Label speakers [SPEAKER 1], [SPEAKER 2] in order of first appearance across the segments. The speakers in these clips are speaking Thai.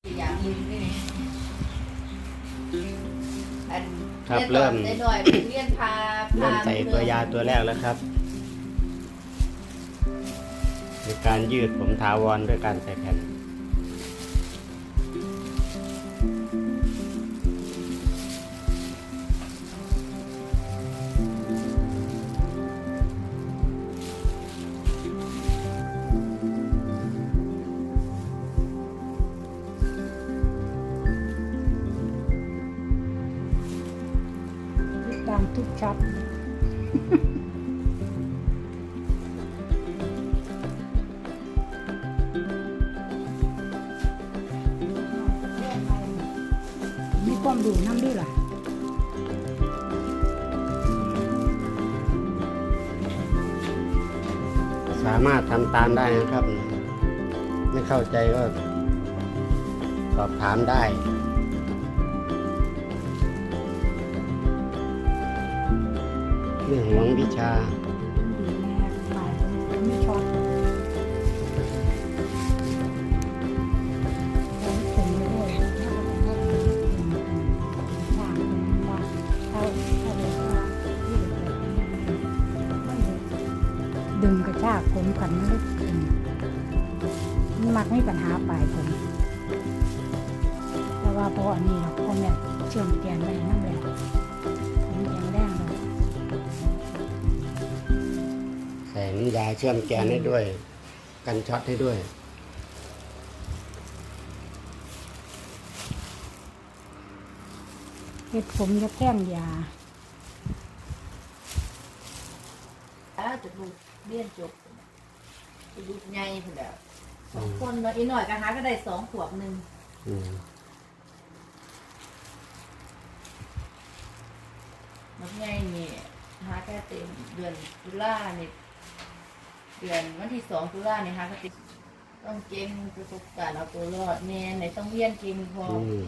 [SPEAKER 1] อย่างนี้นี่อัน
[SPEAKER 2] ครับเริ่ม
[SPEAKER 1] ได้หน่อยเรียนพา
[SPEAKER 2] เริ่มใส่ตัวยาตัวแรกแล้วครับในการยืดผมถาวรด้วยการใส่แผ่น
[SPEAKER 3] ตามทุกช็อตมีความดูน้ำด้วยล่ะ
[SPEAKER 2] สามารถทำตามได้นะครับ ไม่เข้าใจก็สอบถามได้ไม่หวงวิชา
[SPEAKER 3] ดีแน่ฝ่ายไม่ช็อตแล้วถึงด้วยถ้าเราต้องทางว่าถ้าเลยว่าที่เกิดไม่ดึงกระชากผมกันไม่ได้มันมักไม่ปัญหาปลายผมแต่ว่าพออันนี้เราพ่อแม่เชื่อมเตียนไว้นั่นแหละผมยังแรงเลย
[SPEAKER 2] ใส่น้ำยาเชื่อมแกนให้ด้วย กันช็อตให้ด้วย
[SPEAKER 3] เห็ดผมจะแท่งยา
[SPEAKER 1] จะลูกเรียนจบจะลูกใหญ่เพิ่นแล้ว2 คนเนาะอีกหน่อยก็หาก็ได้2 ขวบหนึ่ง
[SPEAKER 2] อืม
[SPEAKER 1] มันใหญ่นี่หาแค่เต็มเดือนตุลาเนี่ยเดือนวันที่2 ตุลาเนี่ยหาก็ติดต้องเก่งประสบการณ์เอาตัวรอดแน่ไหนต้องเรียนเก่งพอ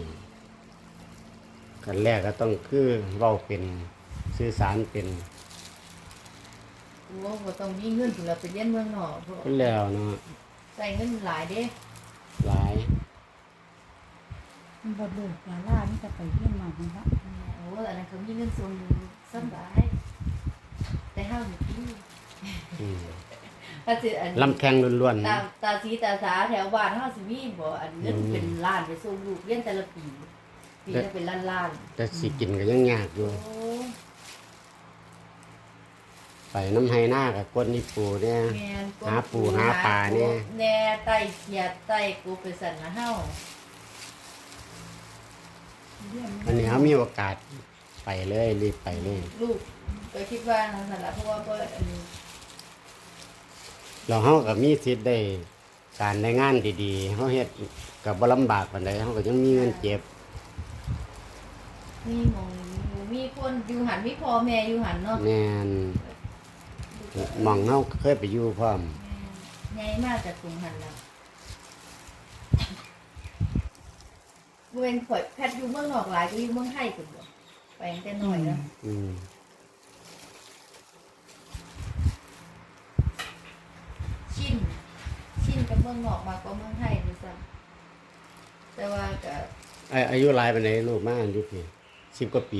[SPEAKER 2] กันแรกก็ต้องคือเว้าเป็นสื่อสารเป็น
[SPEAKER 1] โอ้บ่ต้องมีเงินถึงเราไปเรียนเมืองนอกเพราะ
[SPEAKER 2] ก็แล้วเนาะ
[SPEAKER 1] ใส่เงินหลายเด้
[SPEAKER 2] หลาย
[SPEAKER 3] มันบดเบิกยาล่านี่จะไปเยี่ยมมาคุณพระ
[SPEAKER 1] โอ้อันนั้นเขามีเงินส่งอยู่สบายแต่ห้าอยู่ที่
[SPEAKER 2] อืม
[SPEAKER 1] ถ้าสิอัน
[SPEAKER 2] ลำแข้งล้วนๆ
[SPEAKER 1] ตา
[SPEAKER 2] นะ
[SPEAKER 1] ตาสีตาสาแถวบ้านเฮาสิมีบ่อันเงินเป็นล้านไปส่งลูกเรียนแต่ละปีปีละเป็นล้าน
[SPEAKER 2] แต่สิกินก็ยังยากอยู่
[SPEAKER 1] ๆโอ้
[SPEAKER 2] ไปน้ำไฮหน้ากับก้นนี่ปูเนี่ย
[SPEAKER 1] แม่น
[SPEAKER 2] หาปูหาปลาเนี่ย
[SPEAKER 1] แน่ไต้เขียดไต้กูไปสั่นนะเฮา
[SPEAKER 2] อันนี้เขามีโอกาสไปเลยรีบไปเลย
[SPEAKER 1] ลูกก็คิดว่านั่นล่ะเพราะว่าบ่อันนี้
[SPEAKER 2] เราเขากับมีสิทธิ์ได้การได้งานดีๆเขาเฮ็ดกับบ่ลำบากปานใดเขาก็ยังมีเงินเก็บ
[SPEAKER 1] มีหมองมีคนอยู่หันมีพ่อแม่อยู่หันเนาะ
[SPEAKER 2] แม่นหมองเขาเคยไปอยู่พร้อม
[SPEAKER 1] ใหญ่มากจากกรุงหันแล้วเว้นข่อยแพทย์อยู่เมืองนอกหลายก็อยู่เมืองไทยพุ่นบ่ไปตั้งแต่น้อยแล้ว
[SPEAKER 2] อืม
[SPEAKER 1] ชินกับเมืองนอกมากกว่าเมืองไทยด้วยซ้ำแต่ว่าก็
[SPEAKER 2] อายุหลายปานใดลูกมาอายุพี่10 กว่าปี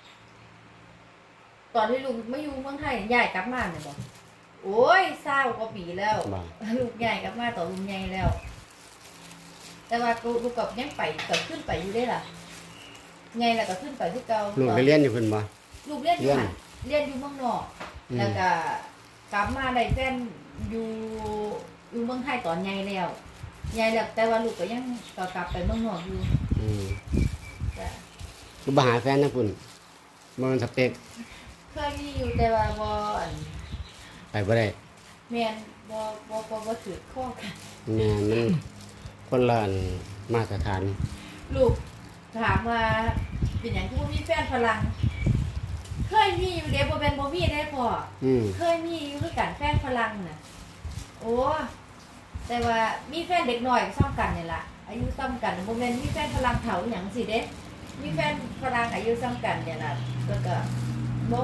[SPEAKER 1] ตอนที่ลูกไม่อยู่เมืองไทยย้ายกลับมาเนี่ยบ่โอ้ย20 กว่าปีแล้ว
[SPEAKER 2] บ่
[SPEAKER 1] ลูกย้ายกลับมาตอนลูกใหญ่แล้ว แต่ว่าลูกกับยังไปกับขึ้นไปอยู่ได้ล่ะใหญ่แล้วก็ขึ้นไปคือเก่า
[SPEAKER 2] ลูกไปเรียนอยู่เพิ่นบ่
[SPEAKER 1] ลูกเรียนอยู่หันเรียนอยู่เมืองนอก แล้วก็กลับมาได้แฟนอยู่เมืองไทยตอนใหญ่แล้วใหญ่แล้วแต่ว่าลูกก็ยังก็กลับไปเมืองนอกอยู่
[SPEAKER 2] อืม
[SPEAKER 1] จ้ะ
[SPEAKER 2] ลูกบ่หาแฟนนะพุ่นบ่มันสเปค
[SPEAKER 1] เคยมีอยู่แต่ว่าบ่อัน
[SPEAKER 2] ไปบ่ได้
[SPEAKER 1] แม่นบ่ถือข้อกัน
[SPEAKER 2] แม่นมันคนละอันมาตรฐาน
[SPEAKER 1] ลูกถามว่าเป็นหยังคือบ่มีแฟนฝรั่งเคยมีอยู่เด้บ่แม่นบ่มีได้พ่อ
[SPEAKER 2] อืม
[SPEAKER 1] เคยมีอยู่คือกันแฟนฝรั่งน่ะโอ้แต่ว่ามีแฟนเด็กน้อยซ้ำกันนี่ล่ะอายุซ้ำกันบ่แม่นมีแฟนฝรั่งเฒ่าอหยังสิเด้มีแฟนฝรั่งอายุซ้ำกันเนี่ยล่ะแล้วก็บ่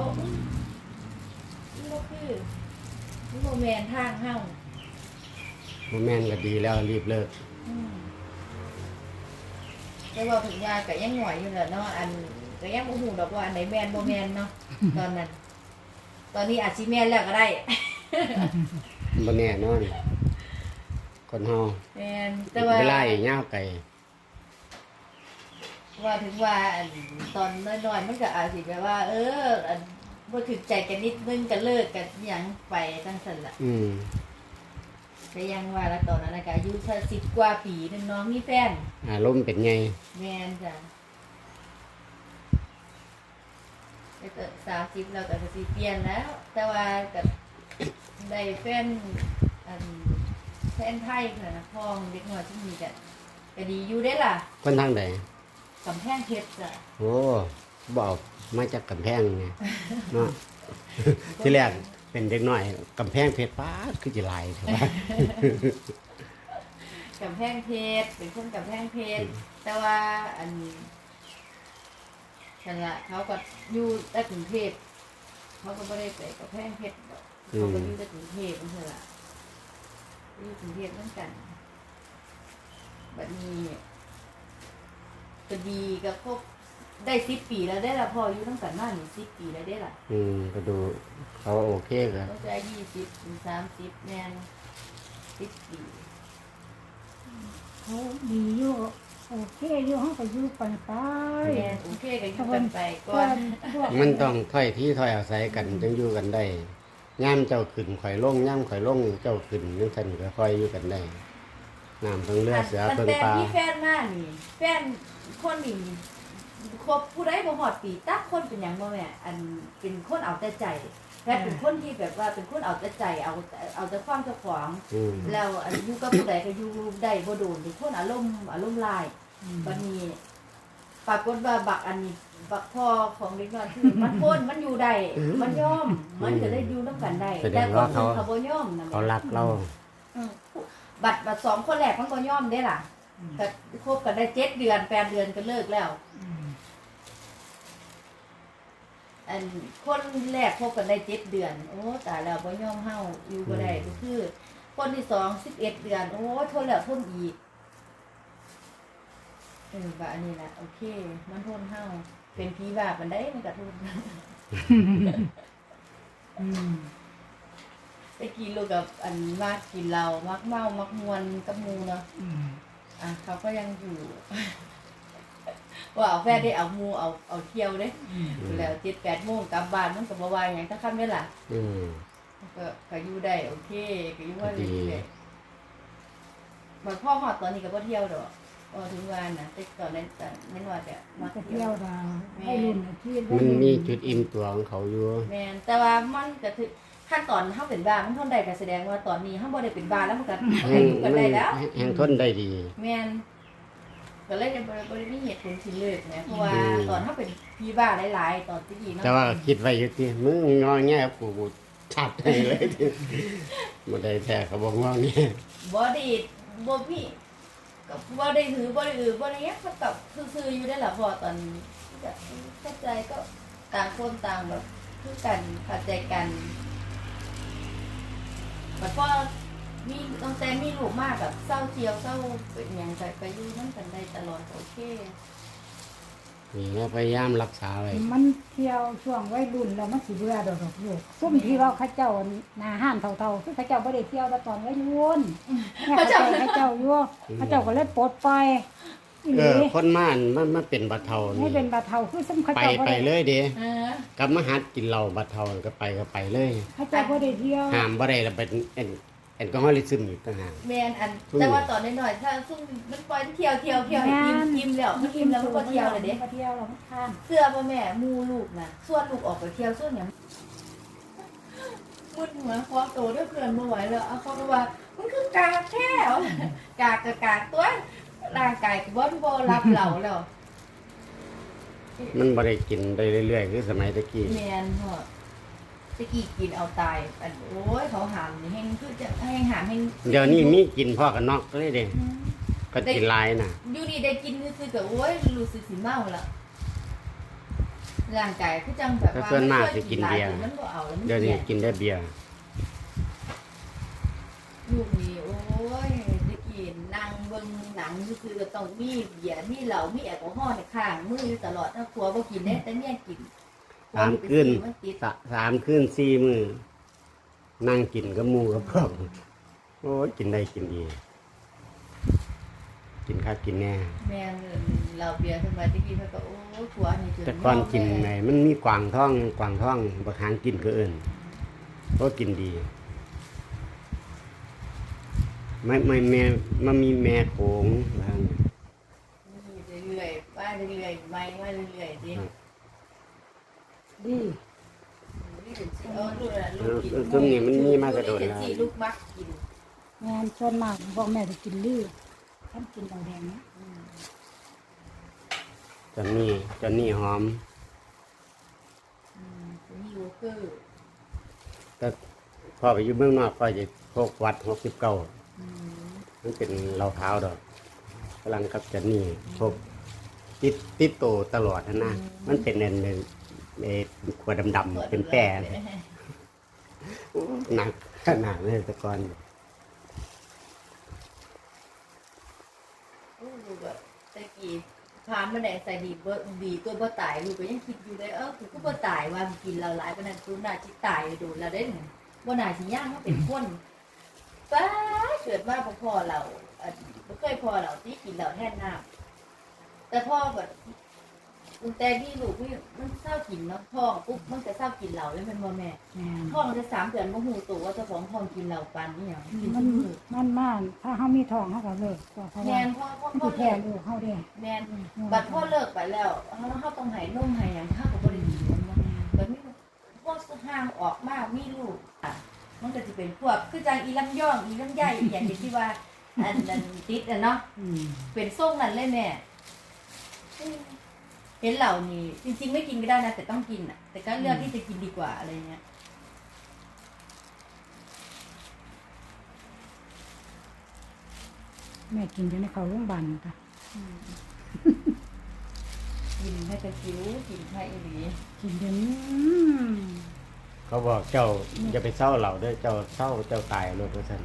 [SPEAKER 1] คือบ่แม่นทางเฮา
[SPEAKER 2] บ่แม่นก็ดีแล้วรีบเลิก
[SPEAKER 1] อืมแต่ว่าถึงว่าก็ยังหน่อยอยู่แหละเนาะอันก็ยังบ่ฮู้ดอกว่าอันไหนแม่นบ่แม่นเนาะตอนนั้น ตอนนี้อาจสิแม่นแล้วก็ได้
[SPEAKER 2] บ่แน่นอนคนเฮา
[SPEAKER 1] แม่นแต่ว่า
[SPEAKER 2] เวลาอีกยาวไกล
[SPEAKER 1] ว่าถึงว่าอันตอนน้อยๆมันก็อาจสิแบบว่า อันบ่ถึกใจกันนิดนึงก็เลิกกันหยังไปจังซั่นล่ะ ก็ยังว่าแล้วตอนนั้นน่ะก็อายุสัก10 กว่าปีนึงน้องมีแฟน
[SPEAKER 2] อารมณ์เป็นไง
[SPEAKER 1] แม่นจ้ะแต่ก็30แล้วก็สิเปลี่ยนแล้ว แต่ว่าก็ได้แฟนอันแฟนไทยค่ะนะพ่อของเด็กน้อยที่มีก็ดีอยู่ได้ล่ะ
[SPEAKER 2] คนทางใด
[SPEAKER 1] กำแพงเพชรจ้ะ
[SPEAKER 2] โอ้บอกมาจากกำแพงไงเนาะ ที่แรกเป็นเด็กน้อยกำแพงเพชรป้าดคือจะลายแต่ว่า
[SPEAKER 1] กำแพงเพชรเป็นคนกำแพงเพชรแต่ว่าอันนั่นล่ะเขาก็อยู่แต่กรุงเทพเขาก็ไม่ได้ไปกำแพงเพชรดอกเขาก็อยู่แต่กรุงเทพนั่นแหละอยู่กรุงเทพเหมือนกันบัดนี้ก็ดีก็ครบได้10 ปีแล้วได้ละพ่ออยู่ตั้งแต่มานี่10 ปีแล้วได้ละ
[SPEAKER 2] ก็ดูเขาโอเคกัน
[SPEAKER 1] เขาจะ20 ถึง 30แม่น10 ปี
[SPEAKER 3] เขาดีอยู่โอเคอยู่ห้องก็อยู่ปันไป
[SPEAKER 1] แม่นโอเคก็อยู่กันไปก่อน
[SPEAKER 2] มันต้องถ้อยที่ถ้อยอาศัยกันจึงอยู่กันได้ย่ามเจ้าขึ้นข่อยลงย่ามข่อยลงเจ้าขึ้นนึกทันก็ค่อยอยู่กันได้น้ำเพิ่งเลือดเสือเพิ่ง
[SPEAKER 1] แต่
[SPEAKER 2] ปลา
[SPEAKER 1] ที่แฟนมานี่แฟนคนนี่คบผู้ใดบ่ฮอดปีตักคนเป็นหยังบ่แม่อันเป็นคนเอาแต่ใจแฟนเป็นคนที่แบบว่าเป็นคนเอาแต่ใจเอาแต่ความเจ้าของ แล้วอันอยู่กับผู้ใดก็อยู่ได้บ่โดนเป็นคนอารมณ์ร้ายบัดนี้ปรากฏว่าบักอันนี้บักพ่อของเด็กน้อยคือมันพ้นมันอยู่ได้มันยอมมันก็เลยอยู่นำกันได้แต่คนอื่นเขาบ่ยอมนะ
[SPEAKER 2] เขารักเรา
[SPEAKER 1] บัตร2 คนแรกมันก็ยอมได้ล่ะก็คบกันได้7 เดือน8 เดือนก็เลิกแล้วอันคนแรกคบกันได้7 เดือนโอ้ตายแล้วบ่ยอมเฮาอยู่บ่ได้ก็คือ คนที่2 11 เดือนโอ้ทนแล้วทนอีกว่าอันนี้แหละโอเคมันทนเฮาเป็นผีบ้าปานใดมันก็ทนไปกินลูกกับอันมากกินเหล้ามักเมามักมวนกับหมู่เนาะเขาก็ยังอยู่ ว่าเอาแฟนได้เอาหมู่เอาเที่ยวเด้แล้ว 7-8 โมงกลับบ้านมันก็บ่ว่าหยังถ้าค่ำได้ล่ะก็อยู่ได้โอเคก็อยู่ว่าดีเลยบ่พ่อฮอดตอนนี้ก็บ่เที่ยวดอกถึงวันน่ะแต่ตอนนั้นนั่นว่าจะมา
[SPEAKER 3] จะ
[SPEAKER 1] เที่
[SPEAKER 3] เที่
[SPEAKER 1] ย
[SPEAKER 3] ยว วดาวให้รุ่นที่
[SPEAKER 2] มันมีจุดอิ่มตัวของเขาอยู่
[SPEAKER 1] แม่นแต่ว่ามันก็คือขั้นตอนเฮาเป็นบ้ามันทนได้ก็แสดงว่าตอนนี้เฮาบ่ได้เป็นบ้าแล้วมันก็ได้อยู่กันได้แล้ว
[SPEAKER 2] แห่งทนได้ดี
[SPEAKER 1] แม่นก็เลยบ่ได้มีเหตุผลที่เลิกนะเพราะว่าตอนเฮาเป็นพี่บ้าหลายๆตอนที่เนาะ
[SPEAKER 2] แต่ว่าคิดไว้อยู่ที่มึงงอแงกูชัดให้เลยที่บ่ได้แท้ก็บ่งอแง
[SPEAKER 1] บ่ได้บ่มีก็บ่ได้หือบ่ได้บ่ได้หยังมันก็ซื่อๆอยู่ได้ล่ะพอตอนก็เข้าใจก็ต่างคนต่างแบบคือกันเข้าใจกันบัดพอมีตั้งแต่มีลูกมากแบบเศร้าเจียวเศร้าเป็นหยังไปอยู่นำกันได้ตลอดโอเค
[SPEAKER 2] นี่ก็พยายามรักษาไว้
[SPEAKER 3] มันเที่ยวช่วงวัยรุ่นแล้วมันสิเบื่อดอกลูกซุ่มที่ว่าเขาเจ้าหน้าห้านเท่าๆคือเขาเจ้าบ่ได้เที่ยวแต่ตอนวัยรุ่นเขาเจ้าอยู่เขาเจ้าก็เลยปลดปล่อยอีหลี
[SPEAKER 2] คนม่านมันเป็นบัดเทา
[SPEAKER 3] ให้เป็นบาเทาคือซุ่มเขา
[SPEAKER 2] ไป
[SPEAKER 3] เจ้าบ่
[SPEAKER 2] ไป
[SPEAKER 3] ได้
[SPEAKER 2] เลยเด้
[SPEAKER 1] เ
[SPEAKER 2] กลับมาหัดกินเหล้าบัดเทาก็ไปเลย
[SPEAKER 3] เขาเจ้าบ่ได้เที่ยว
[SPEAKER 2] ห้ามบ่ได้แล้วเป็นแอลกอฮอลิซึมอีกต่างหาก
[SPEAKER 1] แมนอันแต่ว่าตอนน้อยๆถ้าซุ่มมันปล่อยเที่ยวให้อิ่มแล้วมันอิ่มแล้วมันก็เที่ยวเลยเด้
[SPEAKER 3] มันเที่ยวแล้วมันข้าม
[SPEAKER 1] เสื้อพ่อแม่มูลูกน่ะส่วนลูกออกไปเที่ยวส่วนหยังมุดหัวคอโตด้วยเพื่อนบ่ไหวแล้วเอาเขาก็ว่ามันคือกากแท้กากก็กากตัวร่างกายก็บ่รับเหล่าแล้ว
[SPEAKER 2] มันบ่ได้กินได้เรื่อยๆคือสมัยตะกี้
[SPEAKER 1] แมนพ่อตะกี้กินเอาตายอันโอ้ยเขาหามนี่แฮงคือจะแฮงหามแฮง
[SPEAKER 2] เดี๋ยวนี้มีกินพ่อกันนอกเลยเด้ก็กินหลายน่ะ
[SPEAKER 1] อยู่ดีได้กินซื่อๆก็โอ้ยรู้สึกสิเมาแล้วร่างกายคือจังแบบว่า
[SPEAKER 2] ส่วนมากสิกินเบียร์
[SPEAKER 1] มันบ่เอาแล้วมัน
[SPEAKER 2] เดี๋ยวนี้
[SPEAKER 1] เสีย
[SPEAKER 2] กินได้เบียร์
[SPEAKER 1] ลูกนี่โอ้ยได้กินนั่งเบิ่งหนังนังซื่อๆก็ต้องมีเบียร์มีเหล้ามีแอลกอฮอล์ในข้างมืออยู่ตลอดถ้าผัวบ่กินได้แต่เมียกิน
[SPEAKER 2] 3 คืน
[SPEAKER 1] มันติด
[SPEAKER 2] 3 คืน 4 มื้อนั่งกินกับหมู่กับพวกโอ้ยกินได้กินดี กินคักกินแน่
[SPEAKER 1] แม่นเหล้าเบียร์สมัยตะกี้เพิ่นก็โอ้ผัวนี่จน
[SPEAKER 2] แต่ก่อนกินไงมันมีกวางท้องบักหางกินก็เอิ้นเพราะกินดีไม่แม่มันมีแม่โขงว่าหั่น
[SPEAKER 1] เรื่อยๆว่าเรื่อยๆไม่ว่าเรื่อยๆดิ
[SPEAKER 3] ดี
[SPEAKER 2] ซึ่งนี่มันมีมากระโดด
[SPEAKER 1] แล้
[SPEAKER 2] แล้ว ว
[SPEAKER 1] ลูกมักกิน
[SPEAKER 3] งานส่วนมากบอกแม่จะกินลือท่านกินเหล้าแดงนะ
[SPEAKER 2] จนนี่หอม
[SPEAKER 1] มีโยเกอร์
[SPEAKER 2] แต่พอไปอยู่เมืองนอกก็จะพกวัด69มันเป็นเหล้าเท้าดอกกำลังกับจนนี่พกติดโตตลอดนะมันเป็นขวดดำๆเป็นแป้หนักขนาดเลยแต่ก่อน
[SPEAKER 1] ลูกแบบตะกี้พามาแดงใส่ดีตัวบ่ตายลูกก็ยังคิดอยู่เลยกูก็บ่ตายว่ากินเราหลายปานนั้นกูน่าสิตายโดนแล้วเด้บ่น่าสิย่างมาเป็นคนป้าเกิดมาพ่อเราบ่เคยพ่อเราที่กินเราแทนน้ำแต่พ่อแบบแต่พี่ลูกมันเศร้ากินเนาะท้องปุ๊บมันจะเศร้ากินเราเลยเป็นบ่แม่
[SPEAKER 3] แม่น
[SPEAKER 1] ท้องจะ3 เดือนบ่ฮู้ตัวว่าเจ้าของท้องกินเราปานนี้หยังกิน
[SPEAKER 3] มั
[SPEAKER 1] ทุ
[SPEAKER 3] น
[SPEAKER 1] กมื้อ
[SPEAKER 3] มันถ้าเขามีทองเขาก็เลิกเพราะว่า
[SPEAKER 1] แม่นพ่อ
[SPEAKER 3] มันสิแพ้ลูกเขาเด้
[SPEAKER 1] แม่นบัดพ่อเลิกไปแล้วเขาต้องให้นมให้หยังเขาก็บ่ได้กินมันบ่บัดนี้พวกห่างออกมามีลูกมันก็สิเป็นพวกคือจังอีลำย่องอีลำไยอีหยังที่ว่าอันนั้นติดเนาะ เป็นทรงนั้นเลยแม่เห็นเหล่านี้จริงๆไม่กินก็ได้นะแต่ต้องกินอ่ะ แต่ก็เลือกที่จะกินดีกว่าอะไรเงี้ย
[SPEAKER 3] แม่กินจนได้เข้าโรงพยาบาลค่ะ
[SPEAKER 1] กินให้กระคิ้วกินให้อีหลี
[SPEAKER 3] กินจน
[SPEAKER 2] เขาบอกเจ้าอย่าไปเศร้าเหล่าเด้อเจ้าเศร้าเจ้าตายรถว่าซั่น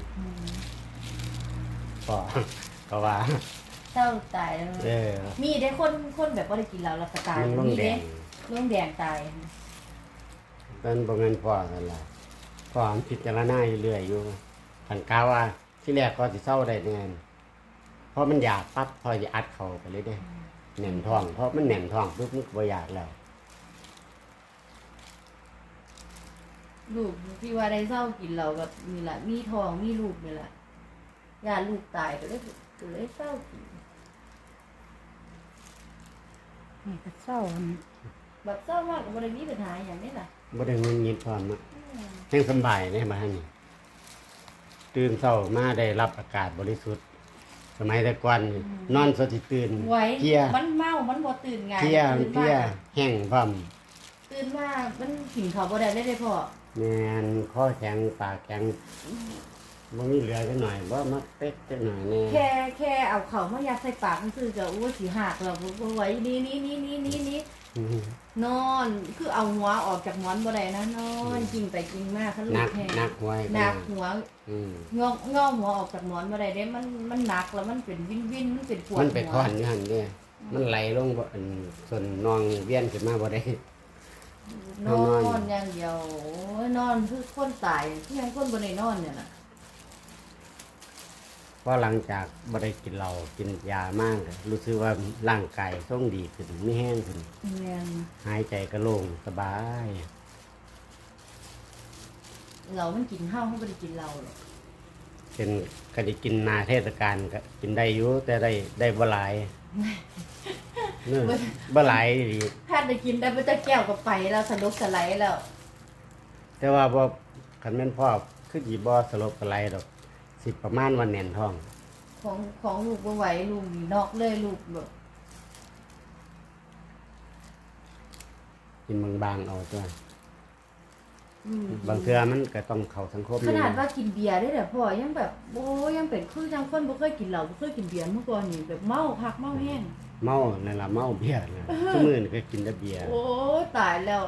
[SPEAKER 2] ก็ว่า
[SPEAKER 1] เศร้าตายแล้ว มีได้คนแบบว่าได้กินเหล้าแล้วก็ตาย
[SPEAKER 2] มันลง
[SPEAKER 1] มี
[SPEAKER 2] แด
[SPEAKER 1] เด้
[SPEAKER 2] ง
[SPEAKER 1] ร่วงแดงตาย
[SPEAKER 2] เป็นบ่แม่นพ่อกันล่ะพ่อมันพิจารณาอยู่เรื่อยอยู่คันกาว่าที่แรกก็สิเศร้าได้แน่นเพราะมันอยากปั๊บพอจะอัดเข้าไปเลยเด้แน่นท้องเพราะมันแน่นท้องปุ๊บมันก็บ่อยากแล้ว
[SPEAKER 1] ลูกที่ว่าได้เศร้ากินเหล้าแบบนี่แหละมีทองมีลูกนี่แหละญาติลูกตายก็เลยเศร้ากิน
[SPEAKER 3] นี่ก็เศร้า
[SPEAKER 1] แบบเศร้ามากกับบริมีปัญหาอย่างนี้ล่ะ
[SPEAKER 2] บ่ได้งุนงิดพร้อมอะแห่งสำบายเลยมาทางนี้ตื่นเช้ามาได้รับอากาศบริสุทธิ์ สมัยแต่ก่อนนี่นอนสดสิตื่น
[SPEAKER 1] ไว้
[SPEAKER 2] เพลีย
[SPEAKER 1] มันเมามันบ่ตื่นไง
[SPEAKER 2] เพลีย
[SPEAKER 1] ตื่น
[SPEAKER 2] เพลีย
[SPEAKER 1] มา
[SPEAKER 2] แห้งพร้อม
[SPEAKER 1] ตื่นมามันกินข้าวบ่ได้เลยพ่อ
[SPEAKER 2] แม่นคอแข็งปากแข็งบ่มีเหลือจักหน่อยบ่มาเป๊กจักหน่อยแน่
[SPEAKER 1] แค่เอาข้าวมายัดใส่ปากมันคือจะโอ้สิหักแล้วบ่ไหวนี่
[SPEAKER 2] อืม
[SPEAKER 1] นอนคือเอาหัวออกจากหมอนบ่ได้นะนอนกินไปกินมาคันลู
[SPEAKER 2] หนั
[SPEAKER 1] ก
[SPEAKER 2] ก
[SPEAKER 1] แห้ง
[SPEAKER 2] หนักไว้
[SPEAKER 1] หนักหัว
[SPEAKER 2] อืม
[SPEAKER 1] งอหัวออกจากหมอนบ่ได้เด้มันหนักแล้วมันเป็นวินมันเป็นปวด
[SPEAKER 2] มันไป
[SPEAKER 1] หัว
[SPEAKER 2] ค้อนอยู่หั่นเด้มันไหลลงบ่อันส่วนนองเวียนขึ้นมาบ่ได้
[SPEAKER 1] นอนอย่างเดียวโอ้ยนอนคือคนตายที่ยังคนบ่ได้นอนเนี่ยน่ะ
[SPEAKER 2] เพราะหลังจากบ่ได้กินเหล้ากินยามากรู้สึกว่าร่างกายทรงดีขึ้นมีแห้งขึ้น
[SPEAKER 1] แม่น
[SPEAKER 2] หายใจก็โล่งสบาย
[SPEAKER 1] เรามันกินข้าวเขาไม่ได้กินเราหรอก
[SPEAKER 2] เป็นก็ได้กินนาเทศกาลก็กินได้อยู่แต่ได้บ่หลายเนื้อบ่หลายดี
[SPEAKER 1] แพทย์ได้กินได้ไม่จะแก้วกับไปแล้วสนุกสไลด์แล้ว
[SPEAKER 2] แต่ว่าบ่คันแม่นพ่อคือสิบ่สลบกะไรดอกสิประมาณวันแน่นท้อง
[SPEAKER 1] ของลูกบ่ไหวลูกนอกเลยลูกแบบ
[SPEAKER 2] กินบางๆเอาตัว
[SPEAKER 1] อืม
[SPEAKER 2] บางเทื่อมันก็ต้องเข้าสังคม
[SPEAKER 1] ขนาดว่ากินเบียร์ได้แต่พ่อยังแบบโอ้ยังเป็นคือจังคนบ่เคยกินเหล้าบ่เคยกินเบียร์เมื่อก่อนนี่แบบเมาคักเมาแห้ง
[SPEAKER 2] เมานั่นล่ะเมาเบียร์นะซุมื้อนี่ก็กินแต่เบียร์
[SPEAKER 1] โอ้ตายแล้ว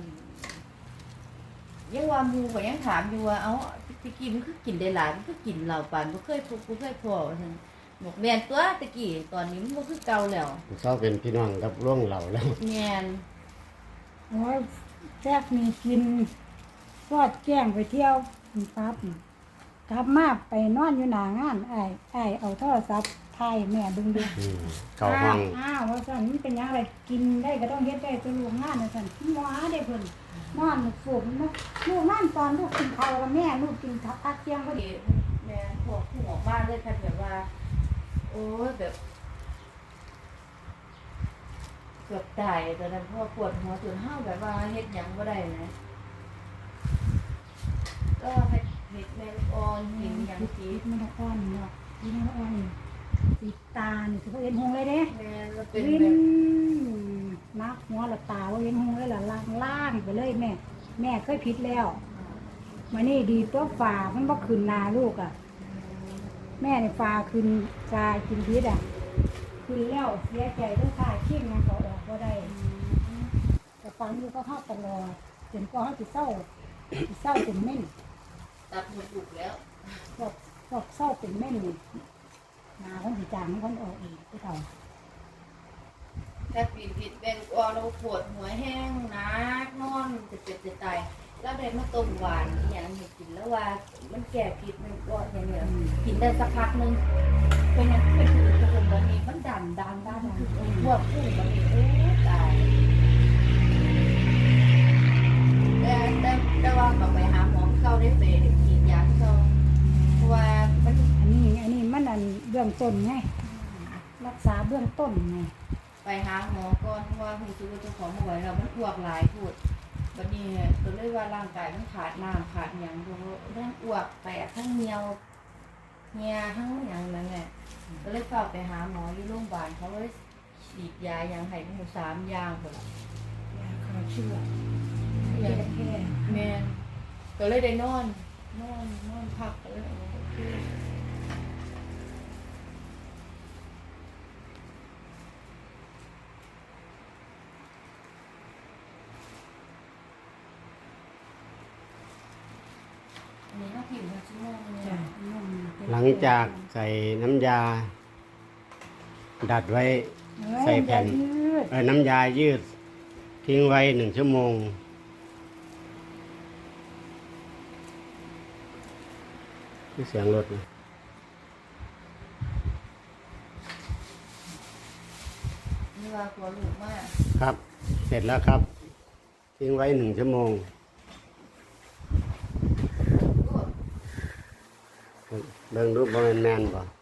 [SPEAKER 1] ยังว่าหมู่ก็ยังถามอยู่ว่าเอ้าพี่กินมันคือกินได้หลายมันคือกินเหล้าปานบ่เคยพอว่าซั่นบอกแม่นตัวตะกี้ตอนนี้มันบ่คือเก่าแล้ว
[SPEAKER 2] เศร้าเป็นพี่น้องกับร่วงเหล่าแล้ว
[SPEAKER 1] แม่น
[SPEAKER 3] โอ้ยแซ่บมีกินทอดแกงไปเที่ยวปั๊บกลับมาไปนอนอยู่หน้างานอ้ายเอาโทรศัพท์ถ่ายแม่เบิ่งดู
[SPEAKER 2] เข้าห้อง
[SPEAKER 3] อ้าวว่าซั่นมันเป็นหยังไงกินได้ก็ต้องเฮ็ดได้ตัวลูกงานว่าซั่นหมอได้เพิ่นนอนฝูกลูกนอนตอนลูกกินข้าวกับแม่ลูกกินพักเที่ยงพอดี
[SPEAKER 1] แม่พวกผู้ออกบ้านเลยค่ะแบบว่า โอ้ยแบบเกือบตายตอนนั้นเพราะว่าปวดหัวจนห้าวแบบว่าเฮ็ดหยังบ่ได้นะก็เฮ็ดแม่ลูกอ่อนหินหยัง
[SPEAKER 3] คิ
[SPEAKER 1] กิ
[SPEAKER 3] ด
[SPEAKER 1] น
[SPEAKER 3] มันอ่อนเนาะคิดมันอ่อนติดตานี่คือเห็นหงเลยเด้
[SPEAKER 1] แม่เราเป็น
[SPEAKER 3] วิ
[SPEAKER 1] แบ
[SPEAKER 3] น
[SPEAKER 1] บ
[SPEAKER 3] นักหัวละตาว่าเห็นหงเลยล่ะล่างไปเลยแม่ แม่เคยผิดแล้วมานี่ดีตัวฝ่ามันบ่ขึ้นนาลูกอ่ะ แม่นี่ฝ่าขึ้นชากินพิษอ่ะขึ้นแล้วเสียใจด้วยค่ะขี้งานเขาออกบ่ได้แต่ฟังอยู่ก็เข้าตลอดจนก็เขาสิเศร้าเป็นเม่น
[SPEAKER 1] ตัดหมดบุกแล้ว
[SPEAKER 3] พวกเศร้าเป็นเม่นนี่นาคนสิจางคนออกอีกผู้เฒ่า
[SPEAKER 1] ถ้าปีนผิดแม่ลูกอ่อนเราปวดหัวแห้งนักนอนจะเจ็บจะตายแล้วได้มาต้มหวานอหย่างให้กินแล้วว่ามันแก้ผิดมันก็อย่างเงี้ยกินได้สักพักนึงเป็นอย่างที่เป็นคือผสมบะหมี่มันดันคือพวกผู้บะหมี่โอ้ตายแต่ว่าก็ไปหาหมอเข้าได้ไปกินยาเข้าเพราะว่ามัน
[SPEAKER 3] อันนี้มันอันเบื้องต้นไงรักษาเบื้องต้นไง
[SPEAKER 1] ไปหาหมอก่อนเพราะว่าหูซื้อเจ้าของมาไว้เรามันอ้วกหลายพูดวันนี้ตัวเลยว่าร่างกายมันขาดน้ำขาดอย่างทั้งอ้วกแตกทั้งเหนียวเหี่ยทั้งอย่างนั้นแหละก็เลยฝากไปหาหมออยู่โรงพยาบาลเขาเลยฉีดยาอย่างให้ทั้งหมด3 อย่างหมดละ
[SPEAKER 3] ยาฆ่าเชื้อ
[SPEAKER 1] อย่าง
[SPEAKER 3] แค่
[SPEAKER 1] แมนก็เลยได้นอนพักก็เลยโอเคอันนี้ก็ผิวมันชั่วโมงนึง
[SPEAKER 3] จ้ะ
[SPEAKER 2] หลังจากใส่น้ำยา ดัดไว้ ใส่แผ่น
[SPEAKER 3] ยืด
[SPEAKER 2] น้ำยายืด ทิ้งไว้1 ชั่วโมงที่เสียงรถนะ
[SPEAKER 1] นี่ว่ากลัวลูกมาก
[SPEAKER 2] ครับ เสร็จแล้วครับ ทิ้งไว้1 ชั่วโมง เบิ่งรูปบ่แม่นๆบ่